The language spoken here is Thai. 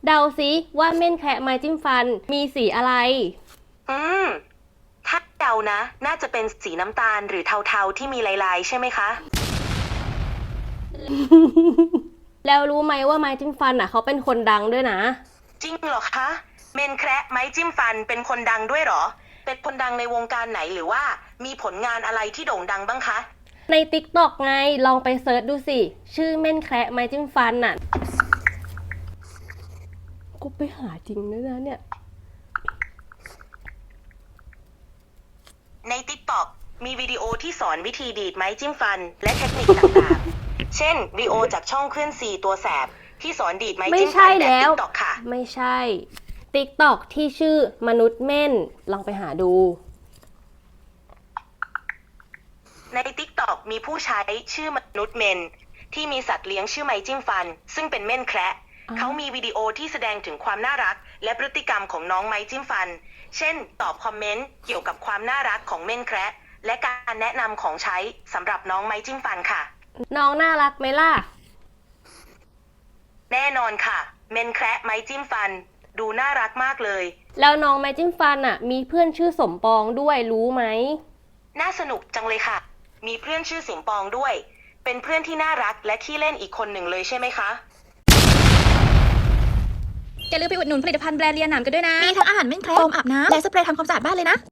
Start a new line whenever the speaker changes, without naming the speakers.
เดาซิว่าเม่นแคระไม้จิ้มฟันมีสีอะไร
อืม ถ้าเดานะ น่าจะเป็นสีน้ำตาลหรือเทาๆที่มีลายๆใช่ไหมคะ
แล้วรู้ไหมว่าไม้จิ้มฟันเขาเป็นคนดังด้วยนะ
จริงเหรอคะ เมนแคระไม้จิ้มฟันเป็นคนดังด้วยเหรอ เป็นคนดังในวงการไหนหรือว่ามีผลงานอะไรที่โด่งดังบ้างคะ
ใน TikTok ไงลองไปเซิร์ชดูสิ ชื่อเม่นแคระไม้จิ้มฟันกูไปหาจริงด้วยนะเนี่ย
ใน TikTok มีวิดีโอที่สอนวิธีดีดไม้จิ้มฟันและเทคนิคต่างๆ เช่นวิดีโอจากช่องเคลื่อนซีตัวแสบที่สอนดีดไม้
ไม่
จิ้มฟั
ใช่
นแบบ
แล้ว
TikTok ค่ะ
ไม่ใช่ TikTok ที่ชื่อมนุษย์เม่น ลองไปหาดู
ใน TikTok มีผู้ใช้ชื่อมนุษย์เมนที่มีสัตว์เลี้ยงชื่อไม้จิ้มฟันซึ่งเป็นเม่นแคระ
อ๋อ
เขามีวิดีโอที่แสดงถึงความน่ารักและพฤติกรรมของน้องไม้จิ้มฟัน เช่น ตอบคอมเมนต์เกี่ยวกับความน่ารักของเม่นแคระและการแนะนำของใช้สำหรับน้องไม้จิ้มฟันค่ะ
น้องน่ารักไหมล่ะ
แน่นอนค่ะ เม่นแคระไม้จิ้มฟัน ดูน่ารักมากเลย
แล้วน้องไม้จิ้มฟันมีเพื่อนชื่อสมปองด้วยรู้ไหม
น่าสนุกจังเลยค่ะ มีเพื่อนชื่อสมปองด้วย เป็นเพื่อนที่น่ารักและขี้เล่นอีกคนหนึ่งเลยใช่ไหมคะ
อย่าลืมไปอุดหนุนผลิตภัณฑ์แบรนด์เลียหนามกันด้วยนะ มีทั้งอาหารเม่นแคระโฟมอาบน้ำและสเปรย์ทำความสะอาดบ้านเลยนะ